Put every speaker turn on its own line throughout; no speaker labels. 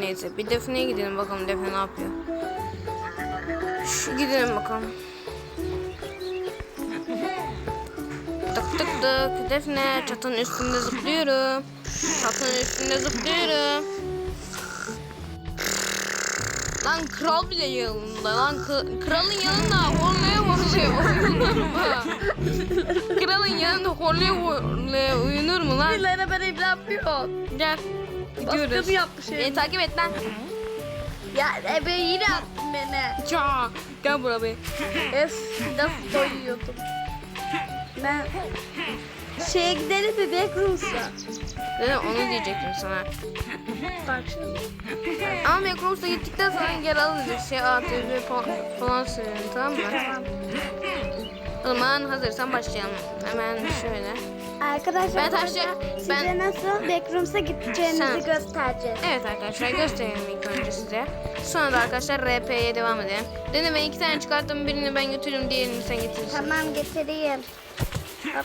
neyse. Bir Defne'ye gidelim bakalım Defne ne yapıyor. Gidelim bakalım. Tık tık tık. Defne çatının üstünde zıplıyorum. Çatının üstünde zıplıyorum. Lan kral bile yanında. Lan kralın yanında horlaya uyunur mu? Kralın yanında horlaya uyunur mu lan?
Birilerine ben evli yapıyor.
Gel. Gidiyoruz.
Baskı mı yapmış?
Takip et lan.
Ya ebe yine attın beni.
Ya. Gel buraya be.
Nasıl doyuyordum. Ben şeye gidelim mi Backrooms'a?
Onu diyecektim sana.
Bak şimdi.
Ama Backrooms'a gittikten sonra gel alırız. ATV falan söyleyin, tamam mı?
Tamam.
O zaman hazırsan başlayalım. Hemen şöyle.
Arkadaşlar
Ben
size nasıl Backrooms'a gideceğinizi göstereceğiz.
Evet arkadaşlar gösterelim ilk önce size. Sonra da arkadaşlar RP'ye devam edelim. Dene ben 2 tane çıkarttım, birini ben götürürüm, diğerini sen getirirsin.
Tamam getireyim. Hop.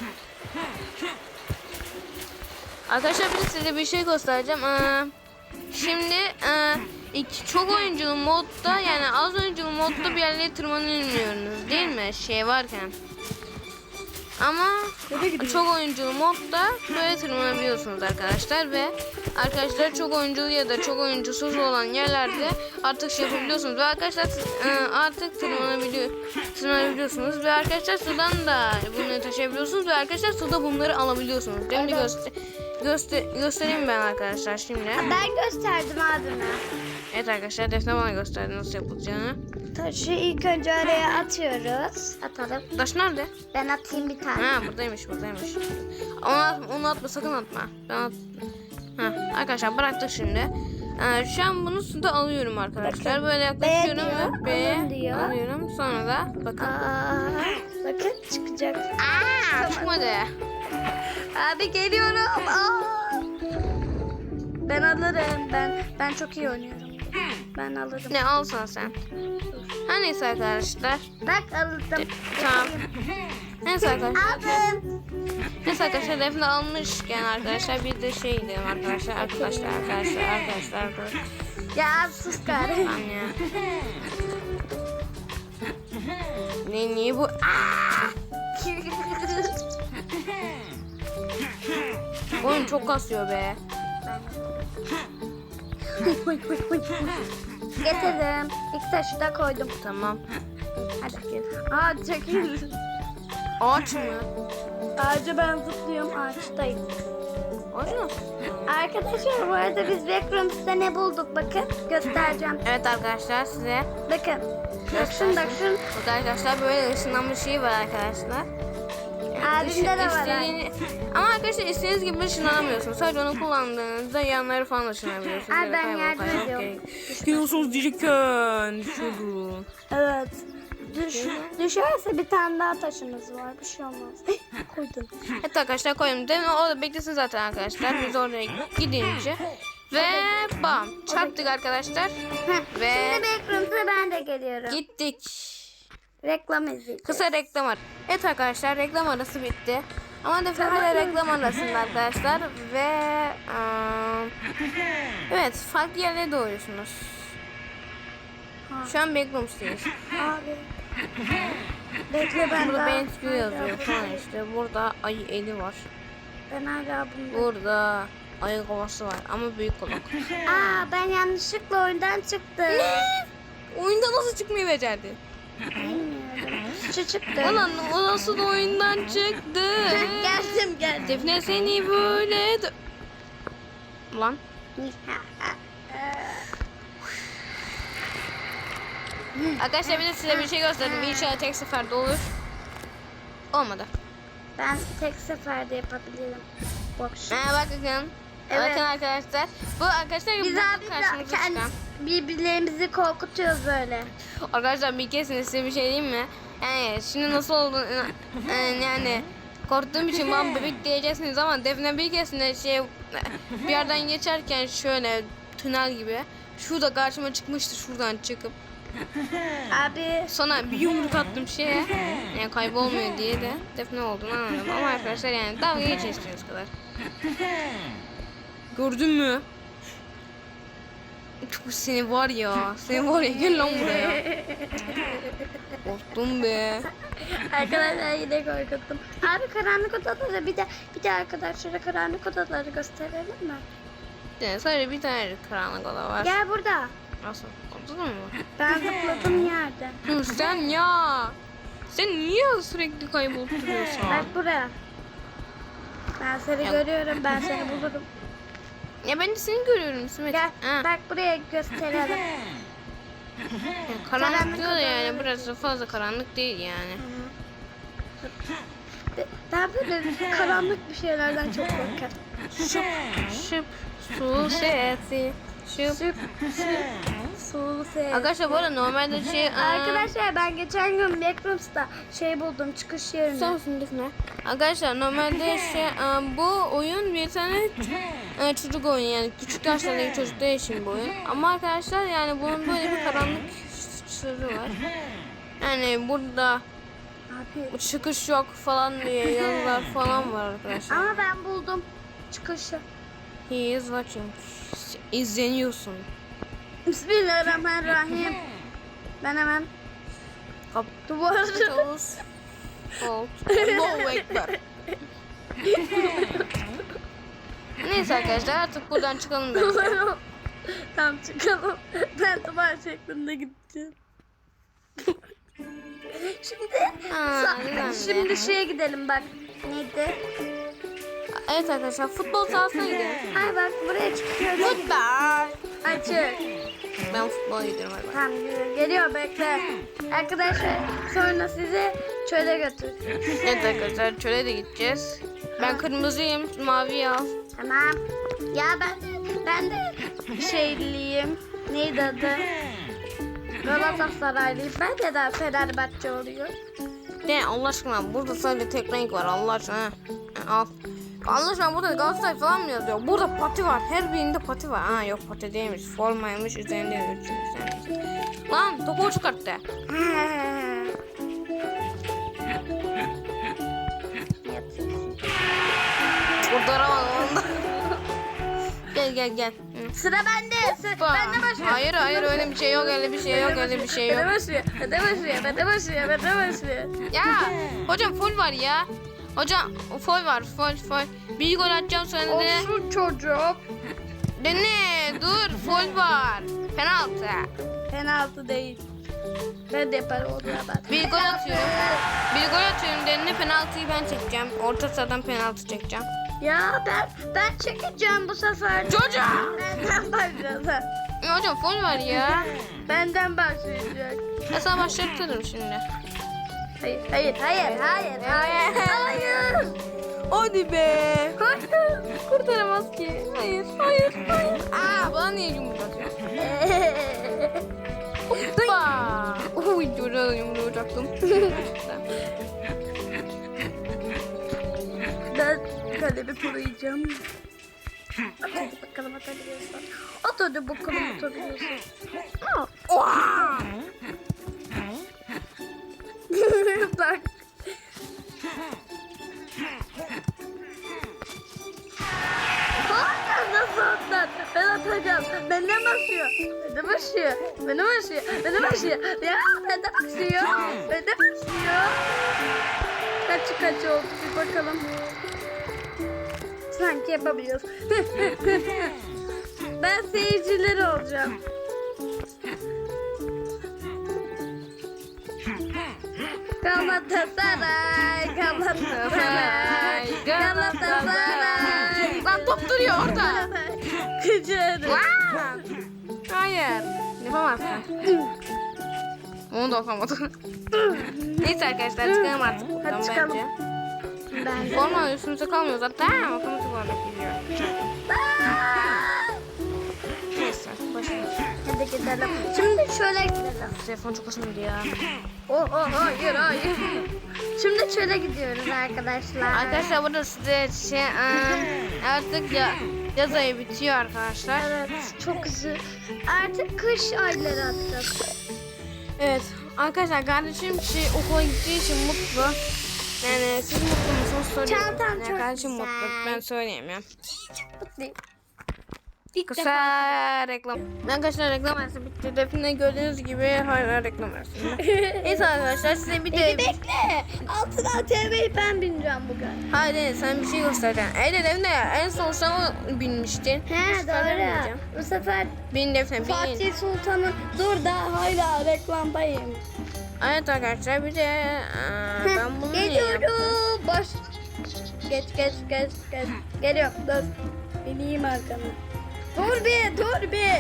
Arkadaşlar bir de size bir şey göstereceğim. Şimdi çok oyunculu modda, yani az oyunculu modda bir yerlere tırmanamıyorsunuz değil mi? Şey varken. Ama çok oyunculu modda böyle tırmanabiliyorsunuz arkadaşlar ve arkadaşlar çok oyunculu ya da çok oyuncusuz olan yerlerde artık şey yapabiliyorsunuz ve arkadaşlar artık tırmanabiliyorsunuz ve arkadaşlar sudan da bunları taşıyabiliyorsunuz ve arkadaşlar suda bunları alabiliyorsunuz. Şimdi göstereyim ben arkadaşlar şimdi.
Ben gösterdim abime.
Evet arkadaşlar Defne bana gösterdi nasıl yapılacağını.
Taşı ilk önce araya atıyoruz. Atalım.
Taş nerede?
Ben atayım bir tane.
Ha buradaymış. Onu atma, sakın atma. Arkadaşlar bıraktık şimdi. Şu an bunu suda alıyorum arkadaşlar. Böyle yaklaşıyorum ve alıyorum. Sonra da bakın.
Bakın çıkacak.
Çıkmadı.
Abi geliyorum. Ben alırım. Ben çok iyi oynuyorum. Ben alırım.
Ne alsan sen. Ha neyse arkadaşlar.
Bak aldım.
Tamam. Neyse arkadaşlar.
Aldım.
Neyse arkadaşlar Defne almışken arkadaşlar bir de şey diyelim arkadaşlar.
Ya sus gari.
Tamam ya. Niye bu? Oyun çok kasıyor be.
Getirdim. İlk taşı da koydum.
Tamam.
Hadi gel. Çekil.
Ağaç mı?
Ağaca ben zıplıyorum. Ağaçtayım.
Ağaç mı?
Arkadaşlar bu arada biz Backrooms'ta ne bulduk bakın. Göstereceğim.
Evet arkadaşlar size.
Bakın. Bak şun.
Burada arkadaşlar böyle ışınlanma şeyi var arkadaşlar.
Abimde de var.
Ama arkadaşlar istediğiniz gibi ışınlanamıyorsunuz. Sadece onu kullandığınızda yanları falan ışınlanabiliyorsunuz.
Abi ben yardım ediyorum.
Gidiyorsunuz diyecekken. Düşürdüm.
Evet. Düşerse bir tane daha taşınız var. Bir şey olmaz. Koydum.
Evet arkadaşlar koydum. Demin orada beklesin zaten arkadaşlar. Biz oraya gidince. Ve bam. Çarptık arkadaşlar. Ve
Şimdi Backrooms'a ben de geliyorum.
gittik.
Reklam izleyeceğiz.
Kısa reklam arası. Evet arkadaşlar reklam arası bitti. Ama Defne hala reklam arasında arkadaşlar. Ve evet farklı yerlere doğruyorsunuz. Şu an Backrooms'tayız.
Abi. Bekle ben
Burada
daha.
BenQ yazıyor falan işte. Burada ayı eli var.
Ben hala bunda.
Burada ayı kovası var ama büyük kulak.
Ben yanlışlıkla oyundan çıktım.
Ne? Oyunda nasıl çıkmayı becerdi?
Bilmiyorum. Şu çıktı.
Ulan o nasıl oyundan çıktı?
Geldim.
Defne seni böyle... Lan. Arkadaşlar bir de size bir şey gösterdim. İnşallah tek seferde olur. Olmadı.
Ben tek seferde yapabilirim. Bakın.
Bakın.
Evet.
Bakın arkadaşlar. Bu arkadaşlar
Biz
bu
abi
karşımıza çıkan.
birbirlerimizi korkutuyoruz böyle.
Arkadaşlar bir kesin size bir şey diyeyim mi? Yani şimdi nasıl oldu? Yani korktuğum için bana bebek diyeceksiniz ama Defne bir kesin bir yerden geçerken şöyle tünel gibi şurada karşıma çıkmıştı şuradan çıkıp.
Abi.
Sonra bir yumruk attım şeye. Yani kaybolmuyor diye de Defne olduğunu anladım. Ama arkadaşlar yani dalga geçiyorsunuz kadar. Gördün mü? Seni var ya. Seni var ya. Gel lan buraya. Korktum be.
Arkadaşlar yine korkuttum. Abi karanlık odaları bir de arkadaşlara karanlık odaları gösterelim mi?
Yani sadece bir tane karanlık oda var.
Gel burada.
Nasıl? Ortada mı?
Ben zıpladım yerde.
Dur sen ya. Sen niye sürekli kaybolup duruyorsun?
Bak buraya. Ben seni görüyorum. Ben seni bulurum.
Ya ben de seni görüyorum İsmet.
Gel.
Ha.
Bak buraya gösterelim.
Ya karanlık
Karanlık
diyor da yani
odaları.
burası fazla karanlık değil yani.
Ben böyle karanlık bir şeylerden çok korkarım.
Şıp su sesi. Şıp.
Süp sulu ses.
Arkadaşlar bu arada normalde
Arkadaşlar ben geçen gün Backrooms'ta buldum çıkış yerini.
ne? Arkadaşlar normalde bu oyun bir tane çocuk oyunu yani küçük yaşlardaki çocuklar için bu oyun. Ama arkadaşlar yani bunun böyle bir karanlık sırrı var. Yani burada
Abi.
çıkış yok falan diye yazılar falan var arkadaşlar.
Ama ben buldum çıkışı.
He is watching. İzleniyorsun.
Bismillahirrahmanirrahim. Ben hemen
Kap.
duvarı.
Toz. Hold. Allahu Ekber. Neyse arkadaşlar artık buradan çıkalım bence.
Tamam çıkalım. Ben duvar şeklinde gideceğim. Şimdi şeye gidelim bak. Neydi?
Evet arkadaşlar futbol sahasına gidelim.
Ay bak buraya çıkıyoruz.
Futbol.
Açık.
Ben futbola gidiyorum hadi.
Tamam geliyor bekle. Arkadaşlar sonra sizi çöle götür.
Evet arkadaşlar çöle de gideceğiz. Ben kırmızıyım, mavi al.
Tamam. Ya ben de şeyliyim. Neydi adı? Galatasaraylıyım. Ben de daha Fenerbahçe oluyor.
De Allah aşkına burada sadece tek renk var Allah aşkına. Al. Allah aşkına burada Galatasaray falan mı yazıyor? Burada pati var. Her birinde pati var. Ha yok pati değilmiş. Formaymış üzerinde üzerinde. Lan topu çıkarttı. Kurtaramadım onu da. Gel. Hı.
Sıra bende. Ben de başlıyorum.
Hayır öyle bir şey yok öyle bir şey yok öyle bir şey yok.
Ben de başlıyorum.
Ya hocam foul var ya. Hocam foul var foul. Bir gol atacağım sonra de.
Olsun çocuk.
Dene dur foul var. Penaltı.
Penaltı değil. Ben de yaparım onu ben.
Bir gol atıyorum dene penaltıyı ben çekeceğim. Orta sahadan penaltı çekeceğim.
Ya ben çekeceğim bu sefer.
Çocuğum.
Benden başlayacak.
Ya hocam foul var ya.
Benden başlayacak.
Ya sana başlatırım şimdi.
Hayır.
Hadi be.
Hayır.
Kurtaramaz ki. Hayır. Aa bana niye yumruk atıyorsun? Hoppa. Uy çocuğa da yumruğu atacaktım.
Ben kalemi koruyacağım. Hadi bakalım atabiliyorsan. At hadi bakalım atabiliyorsan.
Oha.
Bak. Nasıl atlar? Ben atacağım. Benden başlıyor. Benden başlıyor. Ya benden başlıyor. Kaç oldu bir bakalım. Sanki yapabiliyoruz. Ben seyirciler olacağım. Galatasaray.
Lan top duruyor orada.
Kıcırım.
Hayır. Yapamazsın. Onu da yapamadım. Neyse arkadaşlar çıkalım artık buradan
Hadi çıkalım.
bence. Forma üstümüze kalmıyor zaten. Otomatik olarak gidiyor. Neyse başlayalım.
Hadi gidelim. Şimdi şöyle gidelim.
Telefon çok hoşuma gidiyor ya.
Hayır. Şimdi şöyle gidiyoruz arkadaşlar.
Arkadaşlar burada size artık yaz ayı bitiyor arkadaşlar.
Evet çok güzel. Artık kış ayları attık.
Evet arkadaşlar kardeşim okula gittiği için mutlu. Yani siz mutlu musunuz soruyorum.
Çantam
Yani
çok
kardeşim
güzel.
mutlu ben söyleyemiyorum.
Mutluyum. İlk
Kısa
defa.
reklam. Arkadaşlar reklam arası bitti. Defne gördüğünüz gibi hala reklam arasında. Neyse arkadaşlar size bir de...
Bekle. Altın ATV'yi ben bineceğim bugün.
Haydi sen bir şey göstereceksin. Defne en son sen o binmiştin.
He
Bu sefer ben bineceğim.
doğru. Bu sefer
Bin Defne bin.
Fatih Sultan'ın dur da hala reklamdayım.
Evet arkadaşlar bir de ben bunu niye yaptım?
Geliyorum. Boş. Geç. Geliyorum. Dur. Bineyim arkana. Dur bir.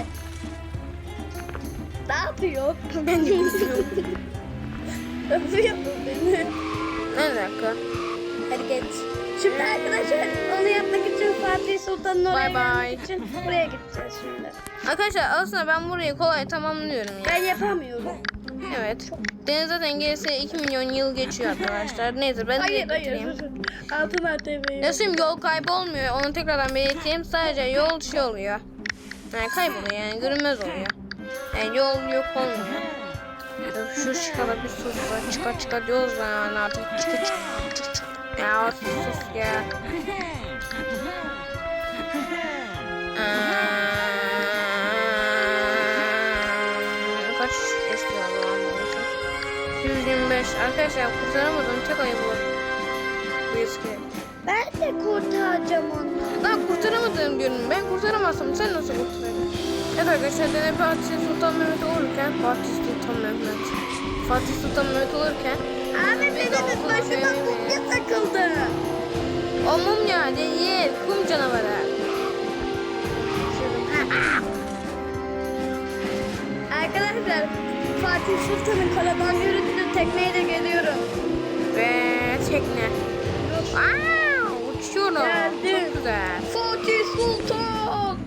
Ne yapıyor?
Ben de bilmiyorum.
Nasıl yapıyor beni?
Ne dakika?
Hadi geç. Şimdi arkadaşlar onu yapmak için Fatih Sultan'ın oraya
Bye bye.
gelmek için buraya gideceğiz şimdi.
Arkadaşlar aslında ben burayı kolay tamamlıyorum ya.
Ben yapamıyorum.
Evet. Deniz zaten gelirse 2 milyon yıl geçiyor arkadaşlar. Neyse ben de bitireyim.
Altın ATV'yi.
Nasıl yol kaybı olmuyor. Onu tekrardan belirteyim. Sadece yol şey oluyor. Yani kayboluyor yani görünmez oluyor. Yani yol yok olmuyor. Şu çıkala bir sus. Çıkar diyoruz yani artık. Çık. Ya sus ya. Kaç istiyor bu anlamda? 125. Arkadaşlar kurtaramadım. Tek ayı bu. Bu eski.
Ben de kurtaracağım onu.
Ben kurtaramadım diyorum. Ben kurtaramazsam sen nasıl kurtaracaksın? Evet arkadaşlar Dene Fatih Sultan Mehmet olurken Fatih Sultan Mehmet olurken
Abi benim başıma mumya takıldı.
o mumya değil kum canavarı.
Arkadaşlar Fatih Sultan'ın karadan yürüdüğü tekneyle geliyorum.
Ve tekne. Uçuyorum.
Geldim.
Çok güzel.
Fatih Sultan.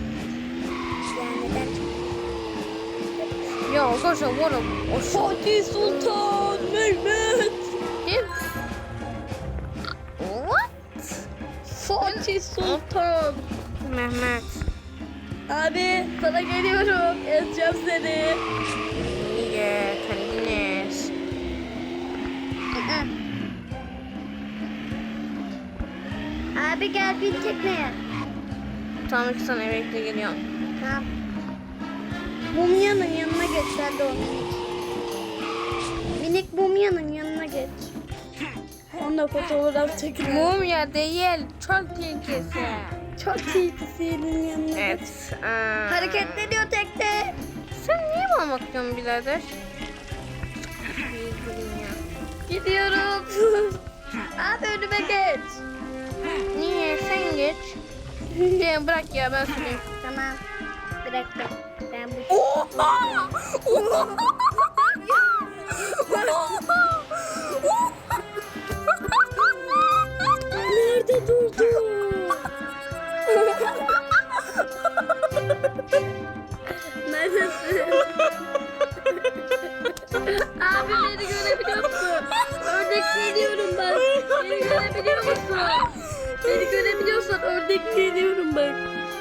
Ya arkadaşlar bu arada o
Fatih Sultan Mehmet.
değil. What?
Fatih Sultan.
Mehmet.
Abi sana geliyorum. Ezeceğim seni.
İyi kendiniz.
Abi gel bin tekneye.
Tamam ki sana bekle geliyorum.
Tamam. Mumyanın yanına geç sen de o minik. Minik mumyanın yanına geç. Onunla fotoğraf çekelim.
Mumya değil çok tehlikesi.
Çok tilkisinin yanına geç.
Evet.
Hareketleniyor tekne.
Sen niye bana bakıyorsun birader?
Gidiyorum. Abi önüme geç.
Niye? Sen geç. Ya bırak ya ben süreyim.
Tamam. Bıraktım. Ben bu. Nerede durdu? Neredesin? Abi beni görebiliyor musun? Ördekleniyorum ben. Beni görebiliyor musun? Beni görebiliyorsan ördekleniyorum ben.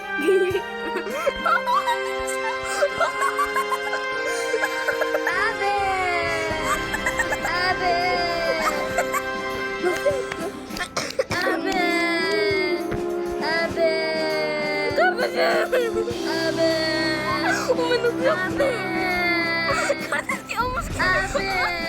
Abi. Abi. Nasıl yaptın? Abi. Abi.
Kardeşim.
Abi.
O beni nasıl yaptı?
Abi.
Kardeşim olmuş ki.
Abi.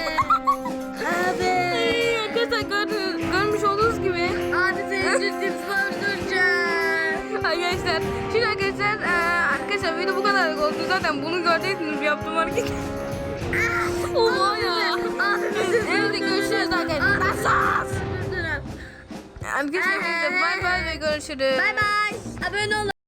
Abi.
Arkadaşlar görmüş olduğunuz gibi.
Abi seni ciddi öldüreceğim.
Arkadaşlar şimdi arkadaşlar video bu kadar oldu. Zaten bunu göreceksiniz yaptığım hareket. Oha ya. Evet görüşürüz arkadaşlar. Arkadaşlar bay bay ve görüşürüz.
Bay bay. Abone olun.